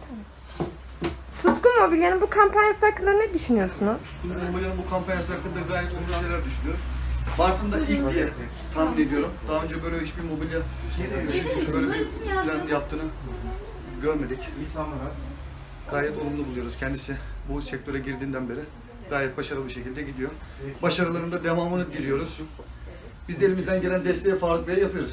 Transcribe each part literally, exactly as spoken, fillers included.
Tutkun Mobilya'nın bu kampanyası hakkında ne düşünüyorsunuz? Tutkun Mobilya'nın bu kampanyası hakkında gayet olumlu şeyler düşünüyoruz. Bartın'da ilk diye tahmin ediyorum. Daha önce böyle hiçbir mobilya böyle bir plan yaptığını görmedik. Gayet olumlu buluyoruz. Kendisi bu sektöre girdiğinden beri gayet başarılı bir şekilde gidiyor. Başarılarında devamını diliyoruz. Biz de elimizden gelen desteği Faruk Bey'e yapıyoruz.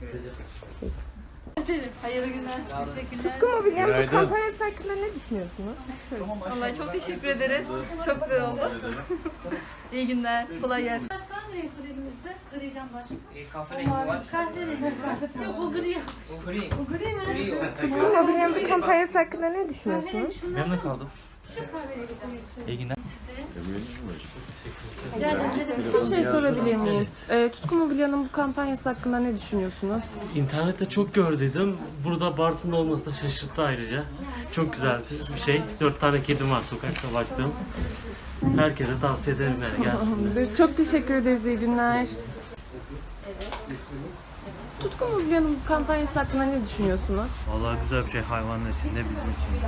Hayırlı günler. Teşekkürler. Tutkun Mobilya'nın bu kampanyası hakkında ne düşünüyorsunuz? Vallahi çok teşekkür ederiz. Çok güzel oldu. İyi günler. Kolay gelsin. Başka hangi renk var elimizde? Griden başka. E, kahverengi var. Kahverengi var. Yok o gri. O gri. O gri mi? Gri o. Tutkun Mobilya'nın bu kampanyası hakkında ne düşünüyorsunuz? Kahverengi şunlar. Memnun kaldım. Şu kahverengi koyuyorsun. İyi günler. Rica ederim. Ne demek? Bir şey sorabilir miyim? Ee, Tutkun Mobilya'nın bu kampanyası hakkında ne düşünüyorsunuz? İnternette çok gördüydüm. Burada Bartın'da olması da şaşırttı ayrıca. Çok güzeldi bir şey. Dört tane kedim var sokakta baktım. Herkese tavsiye ederim yani gelsinler. Çok teşekkür ederiz, iyi günler. Tutkun Mobilya'nın bu kampanyası hakkında ne düşünüyorsunuz? Vallahi güzel bir şey hayvanlar için de bizim için.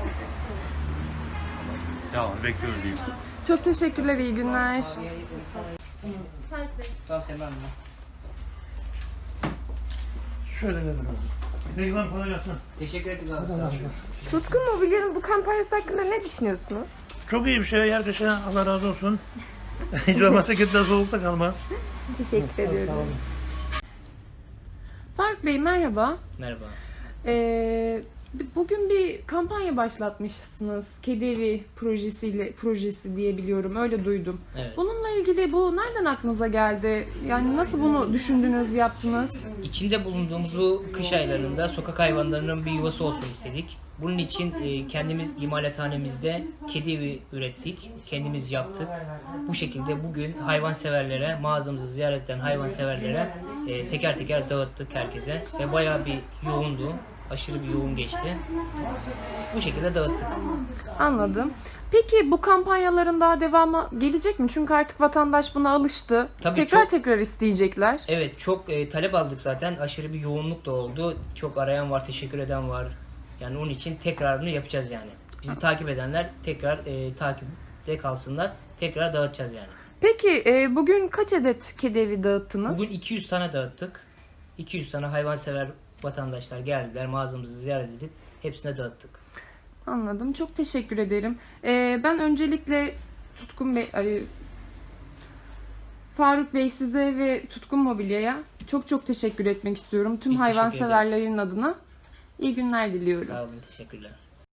Devam bekliyoruz diyeyim. Çok teşekkürler, iyi günler. Tamam Sema Hanım. Şöyle verin. Peki kolay gelsin. Teşekkür ettik abi. Sağ olun. Tutkun Mobilya'nın bu kampanyası hakkında ne düşünüyorsunuz? Çok iyi bir şey. Herkese Allah razı olsun. Hiç olmazsa kediler soğukta kalmaz. Teşekkür ediyorum. Faruk Bey merhaba. Merhaba. Ee, bugün bir kampanya başlatmışsınız. Kedi Evi projesiyle projesi diye biliyorum. Öyle duydum. Evet. Bununla ilgili bu nereden aklınıza geldi? Yani nasıl bunu düşündünüz, yaptınız? İçinde bulunduğumuz bu kış aylarında sokak hayvanlarının bir yuvası olsun istedik. Bunun için e, kendimiz imalathanemizde kedi evi ürettik. Kendimiz yaptık. Bu şekilde bugün hayvanseverlere, mağazamızı ziyaret eden hayvanseverlere e, teker teker dağıttık herkese. Ve bayağı bir yoğundu. Aşırı bir yoğun geçti. Bu şekilde dağıttık. Anladım. Peki bu kampanyaların daha devamı gelecek mi? Çünkü artık vatandaş buna alıştı. Tabii tekrar çok- tekrar isteyecekler. Evet, çok e, talep aldık zaten. Aşırı bir yoğunluk da oldu. Çok arayan var, teşekkür eden var. Yani onun için tekrarını yapacağız yani. Bizi takip edenler tekrar e, takipte kalsınlar. Tekrar dağıtacağız yani. Peki e, bugün kaç adet kedi evi dağıttınız? Bugün iki yüz tane dağıttık. iki yüz tane hayvansever vatandaşlar geldiler. Mağazamızı ziyaret edip hepsine dağıttık. Anladım. Çok teşekkür ederim. E, ben öncelikle Tutkun Bey, ay, Faruk Bey size ve Tutkun Mobilya'ya çok çok teşekkür etmek istiyorum. Tüm Biz teşekkür hayvanseverlerin adına. İyi günler diliyorum. Sağ olun, teşekkürler.